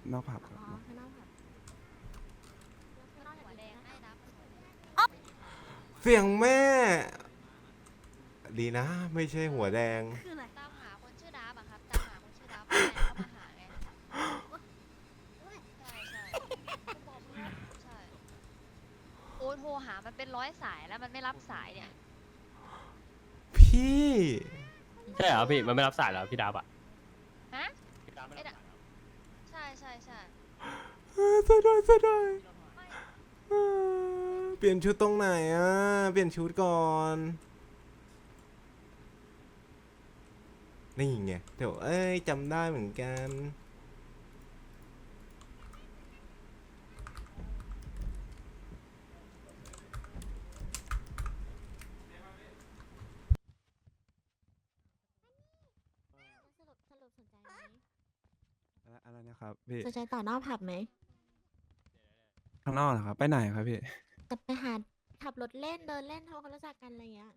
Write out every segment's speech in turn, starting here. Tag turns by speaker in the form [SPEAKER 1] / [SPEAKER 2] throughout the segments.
[SPEAKER 1] นอกผับครับ
[SPEAKER 2] อ๋อข้างนอกแบบข้างนอกหัวแดงได้นะ
[SPEAKER 3] เสียงแม่ดีนะไม่ใช่หัวแดง
[SPEAKER 2] คืออะไร
[SPEAKER 4] ตามหาคนชื่อดับอะครับตามหาคนชื่อดับแฟนเขามาหาไงใช่ใช่ผู้บอกใช่โอ้โทรหามันเป็น100 สายแล้วมันไม่รับสายเนี่ย
[SPEAKER 3] พี่
[SPEAKER 5] ใช่เหรอพี่มันไม่รับสายแล้วพี่ดาบอ่ะ
[SPEAKER 4] ฮะ
[SPEAKER 5] พี่ดาบไม่
[SPEAKER 4] ไอ้
[SPEAKER 5] รับ
[SPEAKER 4] ดะ
[SPEAKER 5] สายแล้ว
[SPEAKER 4] ใช่ใช่ใช่
[SPEAKER 3] เสียดายเสียดาย
[SPEAKER 4] ไม่
[SPEAKER 3] เปลี่ยนชุดตรงไหนอ่ะเปลี่ยนชุดก่อนนี่ไงเดี๋ยวเอ้ยจำได้เหมือนกัน
[SPEAKER 2] สรุปสนใจไหม
[SPEAKER 1] อะไรนะครับพี่
[SPEAKER 2] สนใจต่อนอกผับไหม
[SPEAKER 1] ข้างนอกเหรอครับไปไหนครับพี่
[SPEAKER 2] จะไปหาขับรถเล่นเดินเล่นทำความรู้จักกันอะไรเงี้ย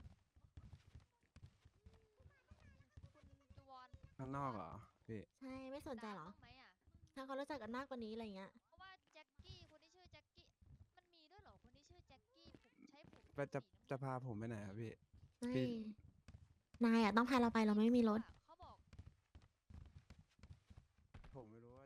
[SPEAKER 4] คุณจูวอน
[SPEAKER 1] ข้างนอกเหรอพี่
[SPEAKER 2] ใช่ไม่สนใจเหรอ
[SPEAKER 4] บ้างไหมอะ
[SPEAKER 2] ทำความรู้จักกันมากกว่านี้อะไรเงี้ย
[SPEAKER 4] เพราะว่าแจ็คกี้คนที่ชื่อแจ็คกี้มันมีด้วยเหรอคนที่ชื่อแจ็คกี้ผมใช้ผม
[SPEAKER 1] ไปจะพาผมไปไหนครับพี่
[SPEAKER 2] ไม่
[SPEAKER 1] พี่
[SPEAKER 2] นายอ่ะต้องพาเราไปเราไม่มีรถ
[SPEAKER 4] เขาบอก
[SPEAKER 1] ผมไม่รู้ว่า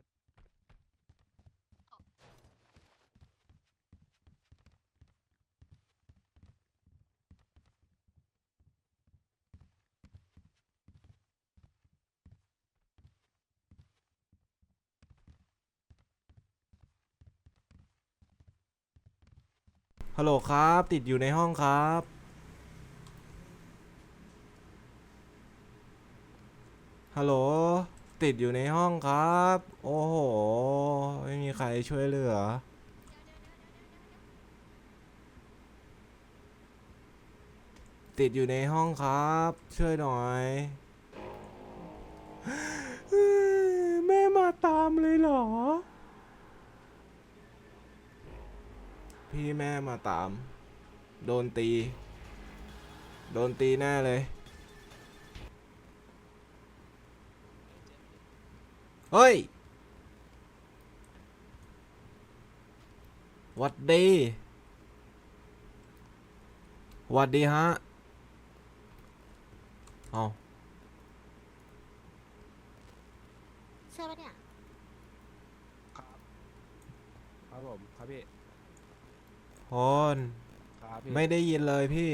[SPEAKER 3] ฮัลโหลครับติดอยู่ในห้องครับฮัลโหลติดอยู่ในห้องครับโอ้โหไม่มีใครช่วยเหลือติดอยู่ในห้องครับช่วยหน่อยแม่มาตามเลยเหรอพี่แม่มาตามโดนตีแน่เลยเฮ้ยหวัดดีหวัดดีฮะเอา
[SPEAKER 2] ใช่ปะเนี่ย
[SPEAKER 1] ครับผมครับพี่
[SPEAKER 3] พร
[SPEAKER 1] ครับพี่
[SPEAKER 3] ไม่ได้ยินเลยพี่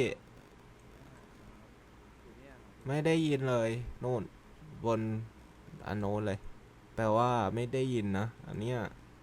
[SPEAKER 1] อยู่เนี่ยครับ
[SPEAKER 3] ไม่ได้ยินเลยนู่นบนอันโน้นเลยแปลว่าไม่ได้ยินนะอันเนี้ย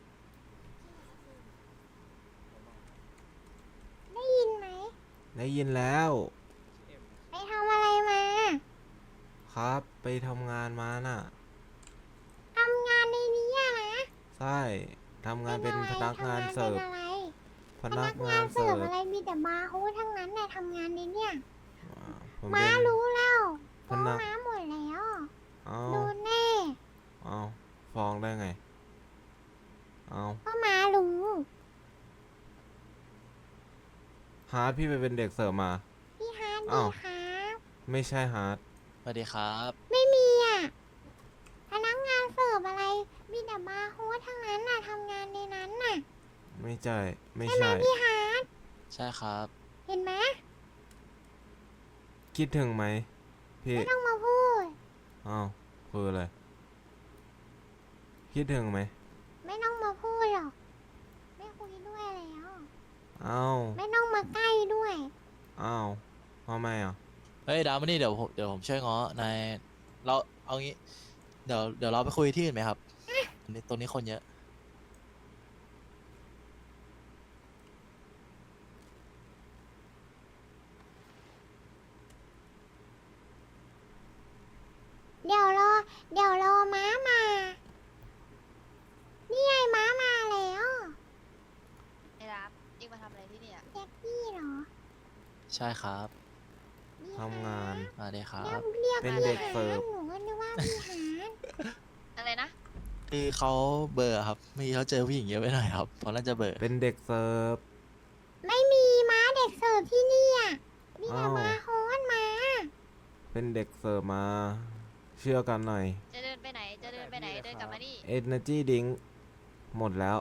[SPEAKER 6] ได้ยินไหม
[SPEAKER 3] ได้ยินแล้ว
[SPEAKER 6] ไปทำอะไรมา
[SPEAKER 3] ครับไปทำงานมาน่ะ
[SPEAKER 6] ทำงานในนี้อะนะ
[SPEAKER 3] ใช่ทำงานเป็นพนักงานเสิร์ฟ
[SPEAKER 6] ทำงานเป็นอะไร
[SPEAKER 3] พ
[SPEAKER 6] พ
[SPEAKER 3] นั
[SPEAKER 6] นั
[SPEAKER 3] ก
[SPEAKER 6] ก
[SPEAKER 3] งาง
[SPEAKER 6] าน น
[SPEAKER 3] เสิ
[SPEAKER 6] เสิร์
[SPEAKER 3] ร์
[SPEAKER 6] ฟ
[SPEAKER 3] ฟ
[SPEAKER 6] อะไรมีแต่บาร์โฮสทั้งนั้นนะทำงานในเนี่ย
[SPEAKER 3] ผม
[SPEAKER 6] ม้า
[SPEAKER 3] เป็น
[SPEAKER 6] รู้แล้ว
[SPEAKER 3] พ
[SPEAKER 6] ฟ้อง
[SPEAKER 3] นัก
[SPEAKER 6] ม้าหมดแล้ว
[SPEAKER 3] เอา
[SPEAKER 6] โดนแน่
[SPEAKER 3] เอาฟ้องได้ไงเอา
[SPEAKER 6] ก็ม้ารู้
[SPEAKER 3] ฮาร์ดพี่ไปเป็นเด็กเสิร์ฟมา
[SPEAKER 6] พี่ฮาร์ด
[SPEAKER 3] อ้า
[SPEAKER 6] ดี
[SPEAKER 3] ว
[SPEAKER 6] ครับ
[SPEAKER 3] ไม่ใช่ฮาร์ด
[SPEAKER 7] สวัสดีครับ
[SPEAKER 6] ไม่มีอ่ะ พนักงานเสิร์ฟอะไร มีแต่บาร์โฮสทั้งนั้นน่ะทำงานในนั้นน่ะ
[SPEAKER 3] ไม่ใช่ไม่
[SPEAKER 6] ใช่ไหม
[SPEAKER 3] ใช่
[SPEAKER 6] พี่ฮาร์ด
[SPEAKER 7] ใช่ครับ
[SPEAKER 6] เห็นไหม
[SPEAKER 3] คิดถึงไหมพี่
[SPEAKER 6] ไม่ต้องมาพูด
[SPEAKER 3] อ้าวคืออะไรคิดถึงไหม
[SPEAKER 6] ไม่ต้องมาพูดหรอก ไม่คุยด้วยแล้ว
[SPEAKER 3] อ้าว
[SPEAKER 6] ไม่ต้องมาใกล้ด้วย
[SPEAKER 3] อ้าวทำไมอ่ะ
[SPEAKER 7] เฮ้ยดาวมานี่เดี๋ยวผมช่วยง้อนายเราเอางี้ เดี๋ยวเราไปคุยที่อื่นไหมครับตรงนี้คนเยอะ
[SPEAKER 6] เดี๋ยวรอ เดี๋ยวรอม้ามา นี่ไงม้ามาแล้ว
[SPEAKER 4] ไอ้รับเองมาทำอะไรที่นี่อะ
[SPEAKER 6] แจ็คกี้เหรอ
[SPEAKER 7] ใช่ครับ
[SPEAKER 6] นี่
[SPEAKER 3] ทำงาน
[SPEAKER 7] สวัสดีครั
[SPEAKER 6] แล้ว
[SPEAKER 7] บ
[SPEAKER 6] เรียก
[SPEAKER 3] เป็น
[SPEAKER 6] พี่
[SPEAKER 3] เด็ก
[SPEAKER 6] หา
[SPEAKER 3] เสิร์ฟ
[SPEAKER 6] หนูก็นึกว่าพี่หาน
[SPEAKER 4] อะไรนะ
[SPEAKER 7] คือเขาเบอร์ครับเมื่อกี้เขาเจอผู้หญิงเยอะไปหน่อยครับเพราะน่าจะเบอร์
[SPEAKER 3] เป็นเด็กเสิร์ฟ
[SPEAKER 6] ไม่มีม้าเด็กเสิร์ฟที่นี่อ่ะมีแต่
[SPEAKER 3] อ้าว
[SPEAKER 6] ม้าโฮสมา
[SPEAKER 3] เป็นเด็กเสิร์ฟมา เชื่อกันหน่อย
[SPEAKER 4] จะเดินไปไหนจะเดินไปไหนเดินกลับมานี่
[SPEAKER 3] Energy Drink หมดแล้ว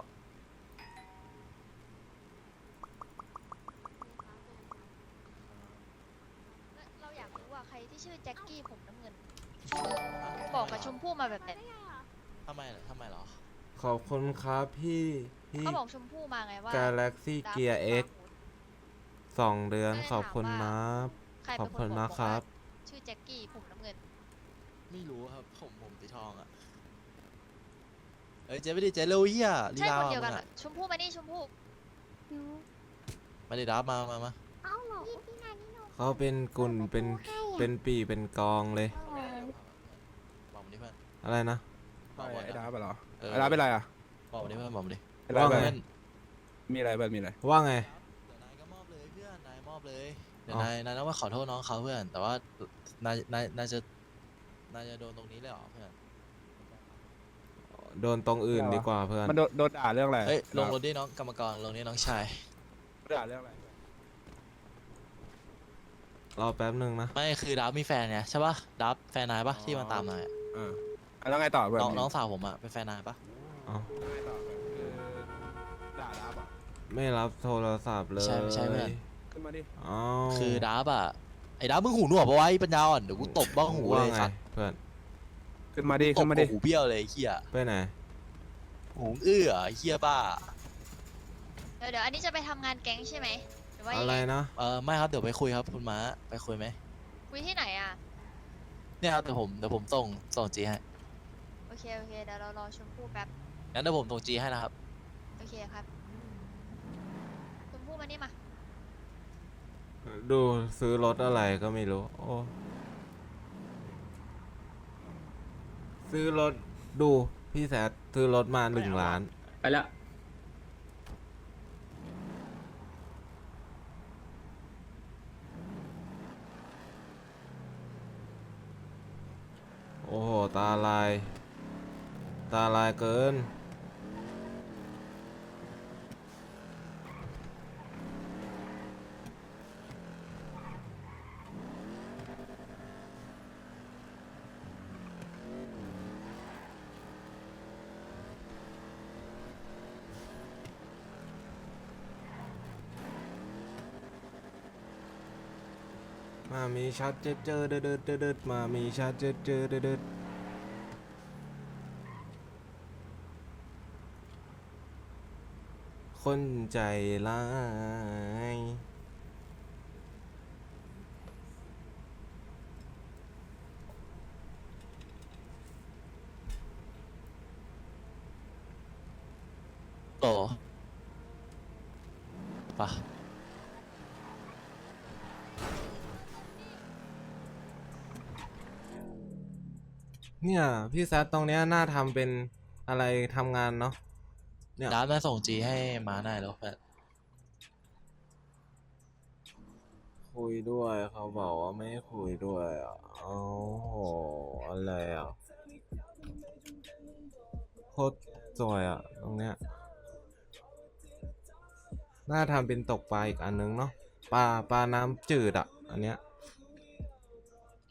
[SPEAKER 4] เราอยากรู้ว่าใครที่ชื่อแจ็คกี้ผมน้ำเงิน บอกกับชมพู่มาแบบไหน
[SPEAKER 7] ทำไมเหรอ
[SPEAKER 3] ขอบคุณครับพี่
[SPEAKER 4] เขาบอกชมพู่มาไงว่า
[SPEAKER 3] Galaxy
[SPEAKER 4] ดับ
[SPEAKER 3] Gear X 2 เดือน
[SPEAKER 4] ก็เลย
[SPEAKER 3] ขอบคุณ
[SPEAKER 4] ถามว่า
[SPEAKER 3] นะ
[SPEAKER 4] ใคร
[SPEAKER 3] ขอ
[SPEAKER 4] เป็
[SPEAKER 3] บ
[SPEAKER 4] นค
[SPEAKER 3] คุ
[SPEAKER 4] น
[SPEAKER 3] ณ
[SPEAKER 4] บ
[SPEAKER 3] มา
[SPEAKER 4] อก
[SPEAKER 3] กค
[SPEAKER 4] ว่า
[SPEAKER 3] รับ
[SPEAKER 4] ชื่อแจ็คกี้ผมน้ำเงิน
[SPEAKER 7] ไม่รู้ครับ ผมสีทองอ่ะเอ้ยเจ๊ไม่ดีเจ๊เร็วเฮียลี
[SPEAKER 4] ใช่
[SPEAKER 7] ลา
[SPEAKER 4] คนเดียวกัน
[SPEAKER 7] มึง
[SPEAKER 4] เหรอ
[SPEAKER 7] อะ
[SPEAKER 4] ชมพู่มานี่ชมพู่
[SPEAKER 6] หนู
[SPEAKER 7] มาดิดับมา
[SPEAKER 6] เอ้าเหรอพี่นานี่หนู
[SPEAKER 3] เขาเป็นกุ่นเป็น
[SPEAKER 6] ให้อะ
[SPEAKER 3] เป็นปีเป็นกองเลย
[SPEAKER 6] เออ
[SPEAKER 7] บอกมาดิเพื่อน
[SPEAKER 3] อะไรนะ
[SPEAKER 7] บอกมา
[SPEAKER 1] ไอ้ดาบเหรอ
[SPEAKER 7] เออ
[SPEAKER 1] ไอ้ดาบเป็นไรอ่ะ
[SPEAKER 7] บอกมาดิเพื่อนบอกมาดิ
[SPEAKER 1] ไอ้ดาบ
[SPEAKER 3] ว่า
[SPEAKER 1] เป็น
[SPEAKER 3] ไง
[SPEAKER 1] ไรมีอะไรเบิร์ดมีอะไร
[SPEAKER 3] ว่าไง
[SPEAKER 7] เดี๋ยวนายก็มอบเลยเพื่อนนายมอบเลยเดี๋ยว
[SPEAKER 3] อ๋อ
[SPEAKER 7] นายต้องมาขอโทษน้องเขาเพื่อน แต่ว่านายจะโดนตรงนี้เลยเหรอเพื่อน
[SPEAKER 3] โดนตรงอื่นดีกว่าเพื่อน
[SPEAKER 1] มันโดนด่าเรื่องอะไร
[SPEAKER 7] เฮ้ยลงรถดิน้องกรรมกรลงนี่น้องชาย
[SPEAKER 1] ด่าเรื่องอะไร
[SPEAKER 3] รอแป๊บหนึ่งนะ
[SPEAKER 7] ไม่คือดับมีแฟนเนี่ยใช่ปะดับแฟนนายปะที่มาตามนายอะ
[SPEAKER 1] แล้วไงต่อเบิร์ด
[SPEAKER 7] น้องสาวผมอะเป็นแฟนนายปะ
[SPEAKER 3] อ๋อ
[SPEAKER 1] แล้วไงต่อเบิร์ดคือด่าดาบอ่ะ
[SPEAKER 3] ไม่รับโทรศัพท์เลย
[SPEAKER 7] ไม่ใช่เพื่อน
[SPEAKER 1] ขึ้นมาดิ
[SPEAKER 3] อ๋อ
[SPEAKER 7] คือดับอะไอ้ดับมึงหูหนวกปะวะไอ้ปัญญาอ่อนเดี๋ยวกูตบบ้างหู
[SPEAKER 3] ว่า
[SPEAKER 7] เลย
[SPEAKER 3] ไง
[SPEAKER 7] สัตว์
[SPEAKER 3] เพื่อน
[SPEAKER 1] ขึ้นมาดิ
[SPEAKER 7] ต
[SPEAKER 1] ขึ้
[SPEAKER 7] บ
[SPEAKER 1] นมา
[SPEAKER 7] กั
[SPEAKER 1] ดิ
[SPEAKER 7] บหูเบี้ยวเลยไอ้เฮีย
[SPEAKER 3] ไปไหน
[SPEAKER 7] หูอื้อไอ้เฮียบ้า
[SPEAKER 4] เดี๋ยวอันนี้จะไปทำงานแก๊งใช่ไหมหรือว่า
[SPEAKER 3] อะ
[SPEAKER 4] ยัง
[SPEAKER 3] ไร
[SPEAKER 4] ไง
[SPEAKER 3] นะ
[SPEAKER 7] ไม่ครับเดี๋ยวไปคุยครับคุณม้าไปคุยไหม
[SPEAKER 4] คุยที่ไหนอ่ะ
[SPEAKER 7] เนี่ยครับเดี๋ยวผมส่งจีให้
[SPEAKER 4] โอเคเดี๋ยวเรารอชมพู่แป๊บ
[SPEAKER 7] งั้นเดี๋ยวผมส่งจีให้นะครับ
[SPEAKER 4] โอเคครับชมพู่มานี่มา
[SPEAKER 3] ดูซื้อรถอะไรก็ไม่รู้ โอ้ ซื้อรถดูพี่แซดซื้อรถมา1 ล้าน
[SPEAKER 5] ไปแล้ว
[SPEAKER 3] โอ้โห ตาลาย ตาลายเกิน มามีชัดเจอเดิดเดิดมามีชัดเจอเดิดคนใจร้าย
[SPEAKER 7] โตปะ
[SPEAKER 3] เนี่ย พี่แซดตรงเนี้ยน่าทำเป็นอะไรทำงานเนาะเนี่ย
[SPEAKER 7] ดับมาส่งจีให้ม้าหน่อยแล้วเพื่อน
[SPEAKER 3] คุยด้วยเขาบอกว่าไม่ให้คุยด้วยอ่ะโอ้โหอะไรอ่ะโคตรสวยอ่ะตรงเนี้ยน่าทำเป็นตกปลาอีกอันนึงเนาะปลาน้ำจืดอ่ะอันเนี้ย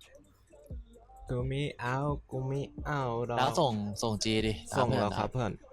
[SPEAKER 3] กูมีเอาหรอก
[SPEAKER 7] ดับส่งจีดิ
[SPEAKER 3] ส่ง
[SPEAKER 7] เพื่อน
[SPEAKER 3] แล้วครับ
[SPEAKER 7] ดั
[SPEAKER 3] เพื่อน